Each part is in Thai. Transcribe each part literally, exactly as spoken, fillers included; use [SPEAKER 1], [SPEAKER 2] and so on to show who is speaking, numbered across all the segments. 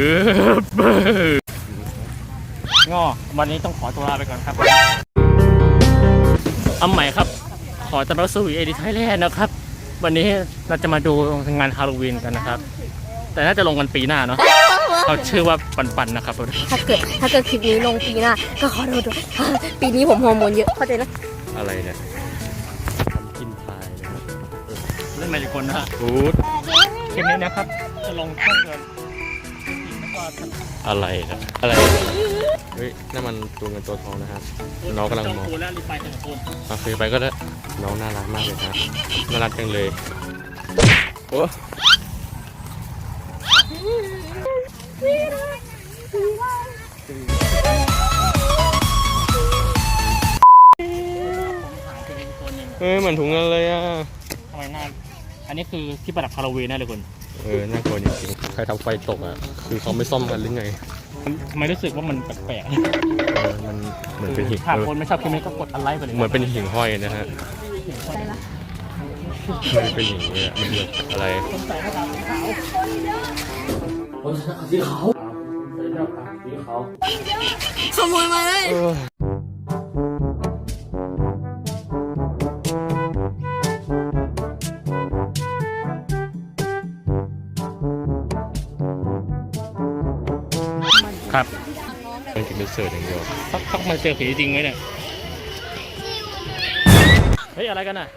[SPEAKER 1] งอวันนี้ต้องขอตัวลาไปก่อนครับอ้ำใหม่ครับขอต้อนรับสู่เอดิไทยแลนด์นะครับวันนี้เราจะมาดูงานฮาโลวีนกันนะครับแต่น่าจะลงกันปีหน้าเนาะเขาชื่อว่าปันๆนะครับ
[SPEAKER 2] ถ้าเกิดถ้าเกิดคลิปนี้ลงปีหน้าก็ขอโทษด้วยปีนี้ผมฮอร์โมนเยอะเข้าใจนะ
[SPEAKER 3] อะไรเนี่ยทำกินพายนะครับ
[SPEAKER 1] เล่นมาจากคนนะฮะ
[SPEAKER 3] ฟูด
[SPEAKER 1] คลิปนี้นะครับจะลงช่องเงิน
[SPEAKER 3] อะไรนะอะไรเฮ้ยนั่นมันตัวเงินตัวทองนะครับน้องกำลังมองโอเคไปก็ได้น้องน่ารักมากเลยครับน่ารักจังเลยโอ้เฮ้ยเหมือนถุงเงินเลยอ่ะ
[SPEAKER 1] ทำไมหน้าอันนี้คือที่ประดับฮาโลวีนนะเลยคุณ
[SPEAKER 3] เออน่ากลัวจริงๆใครทำไฟตกอ่ะคือเขาไม่ซ่อมกันหรือไง
[SPEAKER 1] ทำไมรู้สึกว่ามันแปลก
[SPEAKER 3] ๆเออมันเหมือนเป็นหิ่ง
[SPEAKER 1] ถ้าคนไม่ชอบคลิปนี้ก็กดอันไลค์ไปเลย
[SPEAKER 3] เหมือนเป็นหิ่งห้อยนะฮะมันเป็นอย่างนี้มันแบบอะไร
[SPEAKER 1] คนใส่หน้ากากสีขาวคนใส่หน้ากากสีขาวใส่หน้ากากสีขาว
[SPEAKER 2] ขโมยมาเลย
[SPEAKER 1] ครับ
[SPEAKER 3] มันกินเป็นเสิร์ฟอย่างเดียว
[SPEAKER 1] พักพักมาเจอผีจริงไหมเนี่ยเฮ้ยอะไรกันน่ะ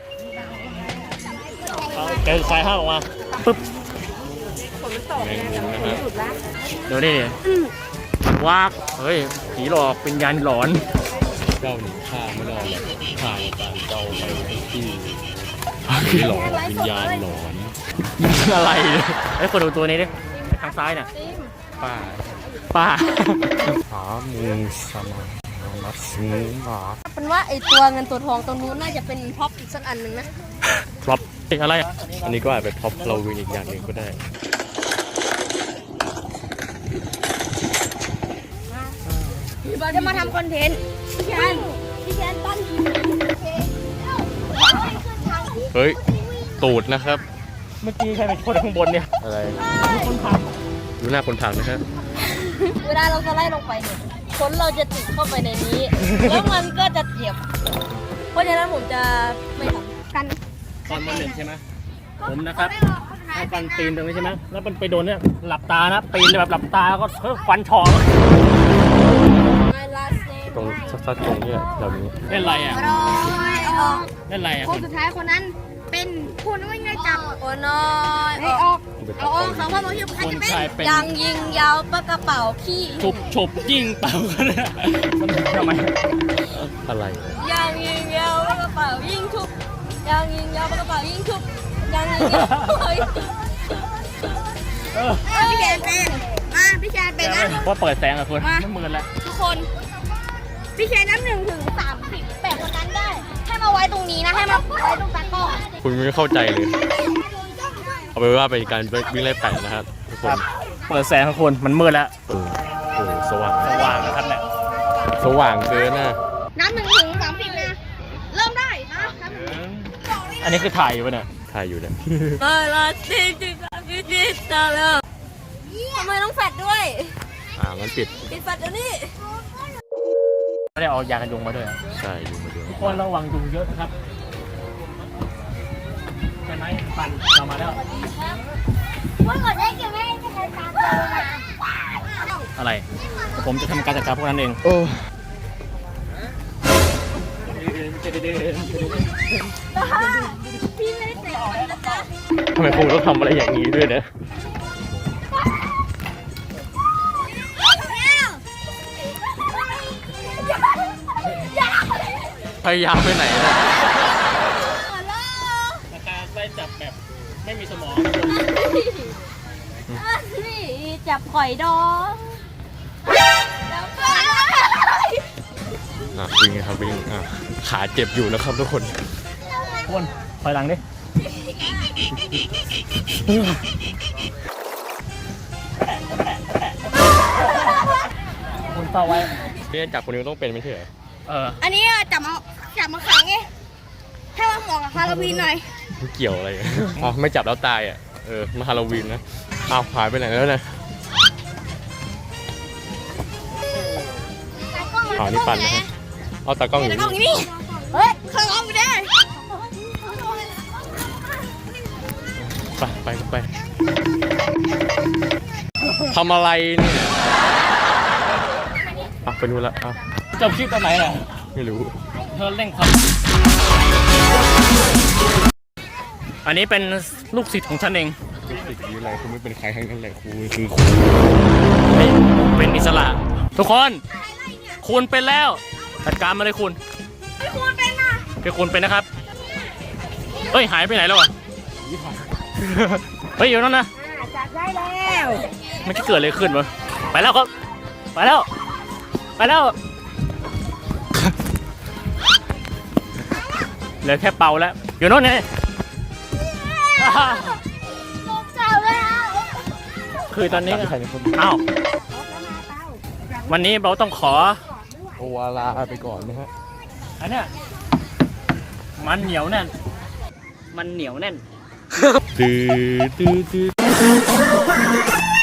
[SPEAKER 1] เจอไฟห้าออกมาปึ๊บ
[SPEAKER 3] แมงมุมนะฮะ
[SPEAKER 1] ดูดิว้าเฮ้ยผีหลอกเป็นยันหลอน
[SPEAKER 3] เจ้าหนีข้าไม่รอดหรอกข้าตามเจ้าไปที่ผีหลอกวิญญาณหลอน
[SPEAKER 1] อะไรไอ้คนดูตัวนี้ดิทางซ้ายน่ะ
[SPEAKER 3] ป้า
[SPEAKER 1] ป้า
[SPEAKER 3] หามูสมานัสมูมา
[SPEAKER 2] เป็นว่าไอตัวเงินตัวทองตรงนู้นน่าจะเป็นพ็อปอีกสักอันหนึ่งนะ
[SPEAKER 1] พ็อปอะไร
[SPEAKER 3] อันนี้ก็อาจเป็นพ็อปฮาโลวีนอีกอย่างหนึ่งก็ได้
[SPEAKER 2] จะมาทำคอนเทนต์พี่แคนพี่แคนปั้น
[SPEAKER 3] เฮ้ยตูดนะครับ
[SPEAKER 1] เมื่อกี้ใครเป็นคนข้างบนเนี่ย
[SPEAKER 3] อะไร
[SPEAKER 1] คนพัง
[SPEAKER 3] ดูหน้าคนพังนะฮะ
[SPEAKER 2] เวลาเราสไลด์ลงไปเนี่ยคนเราจะติดเข้าไปในนี้แล้วมันก็จะเจ็บเพราะฉะนั้นผมจะไม่ทำกัน
[SPEAKER 1] ตอนมันเล่นใช่ไหมผมนะครับให้ฟันปีนตรงนี้ใช่ไหมแล้วมันไปโดนเนี่ยหลับตานะปีนแบบหลับตาแล้วก็ฟันฉอก
[SPEAKER 3] ตรงซัดๆตรงนี้แบบนี้
[SPEAKER 1] เล่นอะไรอ่ะเล่นอะไรอ่ะ
[SPEAKER 2] คนสุดท้ายคนนั้นเป็นคุณไม่ได้จับคนน้อยให้ออกเอาออกสองพ่อมาที่ใครจะเป็นยังยิงยาวปะกระเป๋าขี้
[SPEAKER 1] ฉุบฉุบยิงเป่ากันเลยทำไม
[SPEAKER 3] อะไร
[SPEAKER 2] ยังยิงยาวปะกระเป๋ายิงฉุบยังยิงยาวปะกระเป๋ายิงฉุบยังยิงยาวพี่แกนเป็นมาพี่แกนเป็นนะ
[SPEAKER 1] ว่าเปิดแสงอะคุณไม่มืดแล้ว
[SPEAKER 2] ทุกคนพี่แกนนับหนึ่งถึงสามสิบแปดคนนั้นได้ให้มาไว้ตรงนี้นะให้มาไว้ตรงตะกร้อ
[SPEAKER 3] คุณไม่เข้าใจเลยเอาไปว่าเป็นการวิ่งไล่แปะนะครับทุกคน
[SPEAKER 1] เปิดแสงทุกคนมันมืดแล้ว
[SPEAKER 3] โอ้โหสว่าง
[SPEAKER 1] สว่างนะครับเนี่ย
[SPEAKER 3] สว่างเกินนะ
[SPEAKER 2] นับหนึ่งถึงสามสิบนะเริ่มได้นะ
[SPEAKER 1] อันนี้คือถ่ายอยู่ป่ะเนี่ย
[SPEAKER 3] ถ่ายอยู่เนี่ย
[SPEAKER 2] เออละสิจิตจิตจิตตาเลยทำไมต้องแฟดด้วย
[SPEAKER 3] อ่ามันปิด
[SPEAKER 2] ปิดแฟดเดี๋ยวนี้
[SPEAKER 1] ไม่ได้เอายากันยุงมาด้วย
[SPEAKER 3] ใช่ยุงมาด้วย
[SPEAKER 1] ทุกคนระวังยุงเยอะนะครับใช่ไหมปันเรามาแล้ว
[SPEAKER 2] ว่าก่อนได้เกี่ยวไม่จะใช้ตาม
[SPEAKER 1] อะไรผมจะทำการจัดการพวกนั้นเอง
[SPEAKER 3] โอ้
[SPEAKER 2] พี่ไม่ได้เตะนะจ๊ะ
[SPEAKER 3] ทำไมคงต้องทำอะไรอย่างนี้ด้วยเนี่ยพยายามไปไหนนะ
[SPEAKER 1] การไล่จับแบบไม่มีสมอง
[SPEAKER 2] นี่จับข่อยดอง
[SPEAKER 3] อ่ะวิ่งครับวิ่งอ่ะขาเจ็บอยู่แล้วครับทุกคน
[SPEAKER 1] วนถอยหลังดิคนเฝ้าไว้
[SPEAKER 3] พี่จับคนนี้ต้องเป็นไม่ใช่เหรอ
[SPEAKER 1] เออ
[SPEAKER 2] อันนี้จับมาจับมาขังไงถ้ามาเหมาะกับฮาโลวีนหน่อย
[SPEAKER 3] เกี่ยวอะไรอ๋อไม่จับแล้วตายอ่ะเออมาฮาโลวีนนะเอาหายไปไหนแล้วเนี่ยอ๋อนี่ปั่นนะฮะเอาตากล้องอยู่นี่
[SPEAKER 2] นี่เฮ้ยเคยเอาไปได้
[SPEAKER 3] ไปไปไปทำอะไรเนี่ยอ่ะไปดูละอ่ะ
[SPEAKER 1] จบคลิปตอนไหนล่ะ
[SPEAKER 3] ไม่รู้
[SPEAKER 1] เธอเร่งความอันนี้เป็นลูกศิษย์ของฉันเอง
[SPEAKER 3] เป็นสิ่งนี้อะไรคุณไม่เป็นใครทั้งนั้นแหละครูคือครู
[SPEAKER 1] เฮ้ยเป็นอิสระ ทุกคน คุณเป็นแล้วจัดการมาเลยคุณ
[SPEAKER 2] ไม่ควรเป็นนะ
[SPEAKER 1] เป็นคุณเป็นนะครับเฮ้ยหายไปไหนแล้วอ่ะเฮ้ยอยู่นั่นนะ
[SPEAKER 2] จับได้แล้ว
[SPEAKER 1] มันจะเกิดอะไรขึ้นวะไปแล้วครับไปแล้วไปแล้วเหลือแค่เป่าแล้วอยู่โน่นไง
[SPEAKER 2] ลงเจ้าแล้ว
[SPEAKER 1] คือตอนนี้
[SPEAKER 3] ใครเป็นคน
[SPEAKER 1] อ้าววันนี้เราต้องขอ
[SPEAKER 3] โอวาลาไปก่อนนะฮะ
[SPEAKER 1] อันเนี้ยมันเหนียวแน่นมันเหนียวแน่น
[SPEAKER 3] ตื้อตื้อตื้อ